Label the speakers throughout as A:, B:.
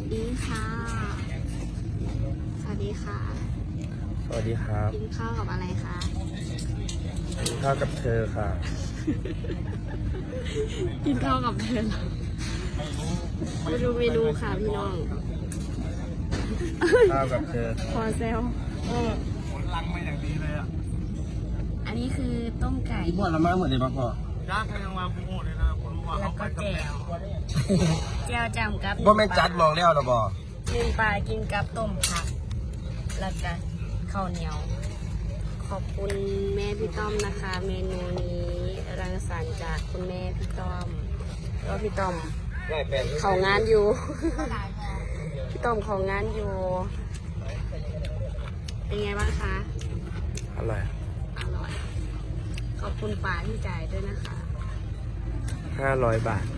A: ดีค่ะสวัสดีค่ะ
B: สวัสดีครับ
A: กินข้าวกับอะไรคะ
B: กินข้าวกับเธอค่ะ
A: กินข้าวกับเธอเหรอมาดูเมนูค่ะพี่น้อง
B: ข้าวกับเธอ
A: พอเซล
B: ผลลังมาอย่างดีเลยอ่ะ
A: อันนี้คือต้มไก่
B: บวชละมาเหมือนเดิมป่ะย่างใครยังมาพูดเลยนะคนรู้ว่า
A: แล้วก็แจ่วแจ่วจำกับ
B: ว่าแม่จัดมองแล้วหรอบ่
A: นึ่งปลากินกับต้มผัก แล้วก็ข้าวเหนียว ขอบคุณแม่พี่ต้อมนะคะ เมนูนี้รังสรรค์จากคุณแม่พี่ต้อมแล้วพี่ต้อมเขางานอยู่ พี่ต้อมเขางานอยู่ เป็นไงบ้างคะ
B: อร่อย
A: อร่อย ขอบคุณป๋าที่จ่ายด้วยนะคะ
B: 500 บาท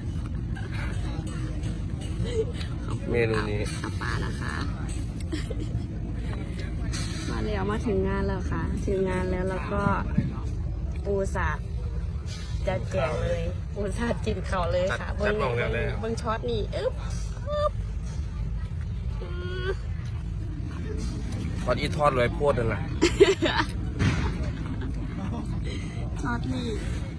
B: เมนูนี้
A: ขอบป๋านะคะ มาแล้วมาถึงงานแล้วค่ะ ถึงงานแล้วแล้วก็ปูสาดจะแจกเลยปูสาดกินเขาเลยค่ะ
B: จัดมองแล้วเลย
A: เบิ้งช็อตนี่อึ๊บอึ๊บอืม
B: ทอดอีทอดเลยโพดนั่นแหละ
A: ช็อตนี่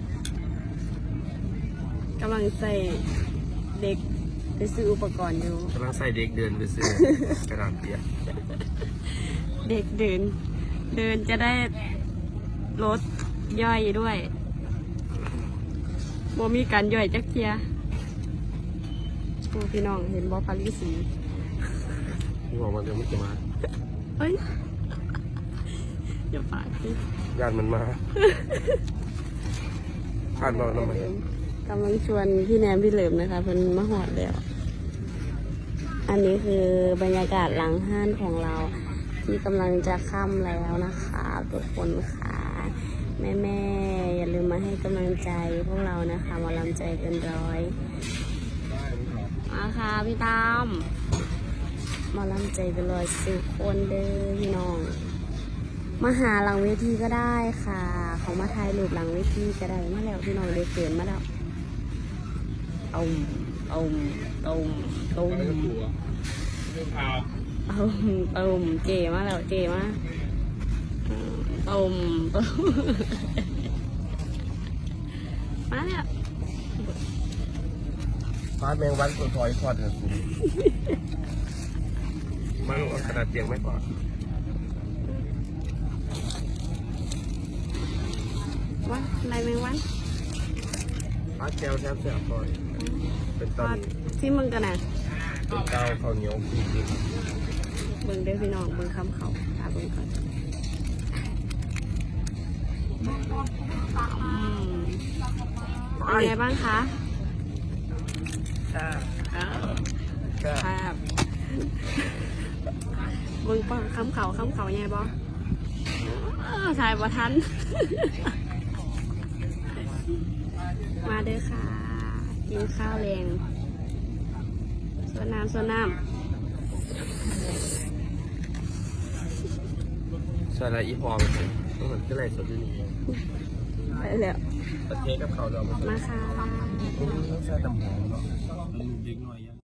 A: กำลังใส่เด็กไปซื้ออุปกรณ์อยู่
B: กำลังใส่เด็กเดินไปซื้อกระดาษเปียก
A: เด็กเดิน จะได้ลดย่อยด้วยบ่มีการย่อยจักเทียโอ้พี่น้องเห็นบ่ปารีสี
B: พี่บอกมันจะไม่จะมา
A: เฮ้ยอย่าปากสิ
B: ญาติมันมาผ่านบอกน้ำมัน
A: กำลังชวนพี่แนมพี่เหลิมนะคะเป็นมาหอดแล้ว อันนี้คือบรรยากาศหลังห้านของเรา ที่กำลังจะค่ำแล้วนะคะทุกคนค่ะแม่ๆอย่าลืมมาให้กำลังใจพวกเรานะคะหมาลำใจเกินร้อยมาค่ะพี่ตามหมาลำใจเกินร้อยสุกคนเด้อพี่น้องมาหาหลังเวทีก็ได้ค่ะ เขามาถ่ายรูปหลังเวทีก็ได้มาแล้วพี่น้องเด็กเกินมาแล้วเอาเก๋มาแล้วเก๋มามาแล้ว
B: ฟาดแมงวันตัวถอยทอดเลยมันเอากระดาษเปียกไหมก่อน
A: วันอะไรแมงวัน
B: ฟาดแก้วแทบเสียก่อนเป็นตอน
A: ที่มึงกันนะ
B: เป็นเก้าข้าวเหนียวจริง
A: เบิ่งได้อพี่น้องเบิ่งคำเขาตาเบิ่งก่อนเป็นไงบ้างคะ
B: ๆค่ะ
A: ครับเบิ่งปังคำเขาไงบอถ่ายบ่ทัน มาเด้อค่ะ กินข้าวแรงส่วนน้ำ
B: ส่วนอะไรอีพอมันต้องเหมือนก็เลยสดที่นี่
A: ไปแล้ว
B: ตะเทกับเขาเรา
A: มาค่ะ
B: ต้องใช้ตำหอมเนาะลูกเด็กหน่อยยัง